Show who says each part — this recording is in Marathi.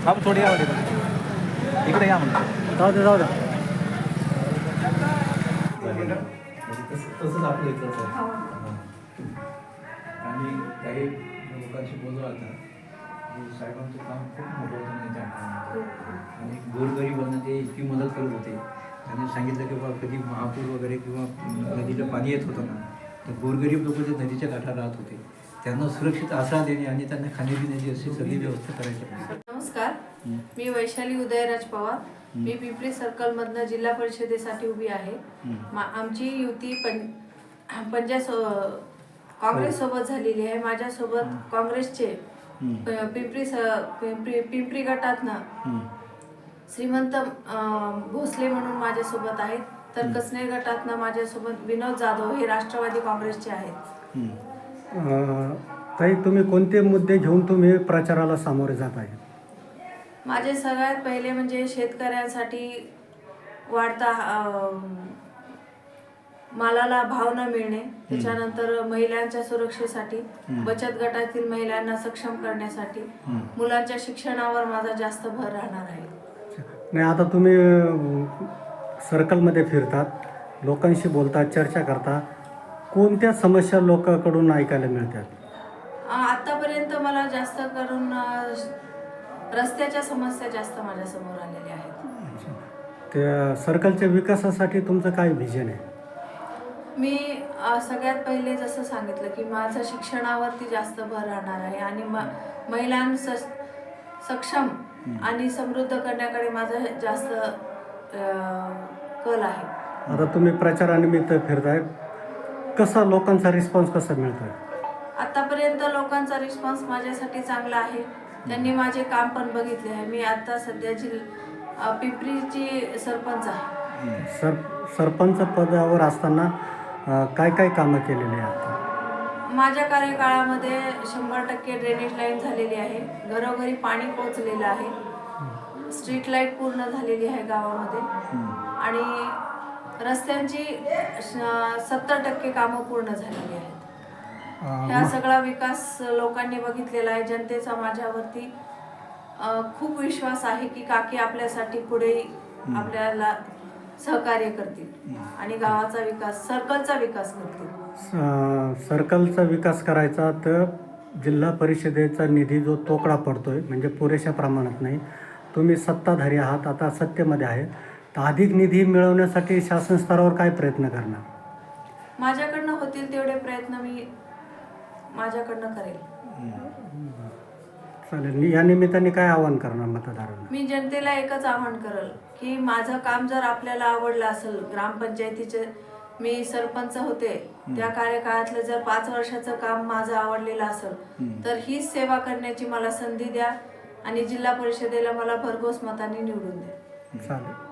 Speaker 1: आप थोडी या इकडे या म्हणतो जाऊ द्या
Speaker 2: तसंच आपलं इथंच आहे. आणि काही लोकांशी बोललो आता की साहेबांचं काम खूप मोठं होतं त्यांच्या काळामध्ये आणि गोरगरिबांना ते इतकी मदत करत होते. त्यांनी सांगितलं की बाबा कधी महापूर वगैरे किंवा नदीला पाणी येत होतं ना तर गोरगरीब लोक ते नदीच्या काठावर राहत होते. त्यांना सुरक्षित आसरा देणे आणि त्यांना खाण्यापिण्याची अशी सगळी व्यवस्था करायची.
Speaker 3: नमस्कार, मी वैशाली उदयराज पवार. मी पिंपरी सर्कलमधनं जिल्हा परिषदेसाठी उभी आहे. आमची युती काँग्रेस सोबत झालेली आहे. माझ्यासोबत काँग्रेसचे पिंपरी गटातनं श्रीमंत भोसले म्हणून माझ्यासोबत आहेत. तर कसनेर गटातनं माझ्यासोबत विनोद जाधव हे राष्ट्रवादी काँग्रेसचे आहेत.
Speaker 4: ताई, तुम्ही कोणते मुद्दे घेऊन तुम्ही प्रचाराला सामोरे जात आहे?
Speaker 3: माझे सगळ्यात पहिले म्हणजे शेतकऱ्यांसाठी वाढता मालाला भाव न मिळणे, त्याच्यानंतर महिलांच्या सुरक्षेसाठी, बचत गटातील महिलांना सक्षम करण्यासाठी, मुलांच्या शिक्षणावर माझा जास्त भर राहणार आहे.
Speaker 4: नाही, आता तुम्ही सर्कलमध्ये फिरतात, लोकांशी बोलतात, चर्चा करता, कोणत्या समस्या लोकांकडून ऐकायला मिळतात?
Speaker 3: आतापर्यंत मला जास्त करून रस्त्याच्या समस्या जास्त माझ्यासमोर आलेल्या आहेत.
Speaker 4: त्या सर्कलच्या विकासासाठी तुमचं काय व्हिजन आहे?
Speaker 3: मी सगळ्यात पहिले जसं सांगितलं की माझं शिक्षणावरती जास्त भर राहणार आहे आणि महिलांना सक्षम आणि समृद्ध करण्याकडे माझं जास्त कल आहे.
Speaker 4: आता तुम्ही प्रचारानिमित्त फिरताय, कसा लोकांचा रिस्पॉन्स कसा मिळतोय?
Speaker 3: आतापर्यंत लोकांचा रिस्पॉन्स माझ्यासाठी चांगला आहे. त्यांनी माझे काम पण बघितले आहे. मी आता सध्याची पिंपरीची सरपंच आहे.
Speaker 4: सरपंच पदावर असताना काय काय कामं केलेली आहेत?
Speaker 3: माझ्या कार्यकाळामध्ये 100% ड्रेनेज लाईन झालेली आहे, घरोघरी पाणी पोहोचलेलं आहे, स्ट्रीट लाईट पूर्ण झालेली आहे गावामध्ये आणि रस्त्यांची 70% कामं पूर्ण झालेली आहेत. हा सगळा विकास लोकांनी बघितलेला आहे. जनतेचा माझ्यावरती खूप विश्वास आहे की काकी आपल्यासाठी पुढे आपल्याला सहकार्य करतील आणि गावाचा विकास, सर्कलचा विकास करतील.
Speaker 4: सर्कलचा विकास करायचा तर जिल्हा परिषदेचा निधी जो तोकडा पडतोय, म्हणजे पुरेशा प्रमाणात नाही. तुम्ही सत्ताधारी आहात, आता सत्तेमध्ये आहे, तर अधिक निधी मिळवण्यासाठी शासन स्तरावर काय प्रयत्न करणार?
Speaker 3: माझ्याकडनं होतील तेवढे प्रयत्न मी माझ्याकडनं करेल.
Speaker 4: चालेल. या निमित्ताने काय आवाहन करणार मतदारांना?
Speaker 3: मी जनतेला एकच आवाहन करेल की माझं काम जर आपल्याला आवडलं असेल, ग्रामपंचायतीचे मी सरपंच होते त्या कार्यकाळातलं जर 5 वर्षाचं काम माझं आवडलेलं असेल तर हीच सेवा करण्याची मला संधी द्या आणि जिल्हा परिषदेला मला भरघोस मतांनी निवडून द्या.
Speaker 4: चालेल.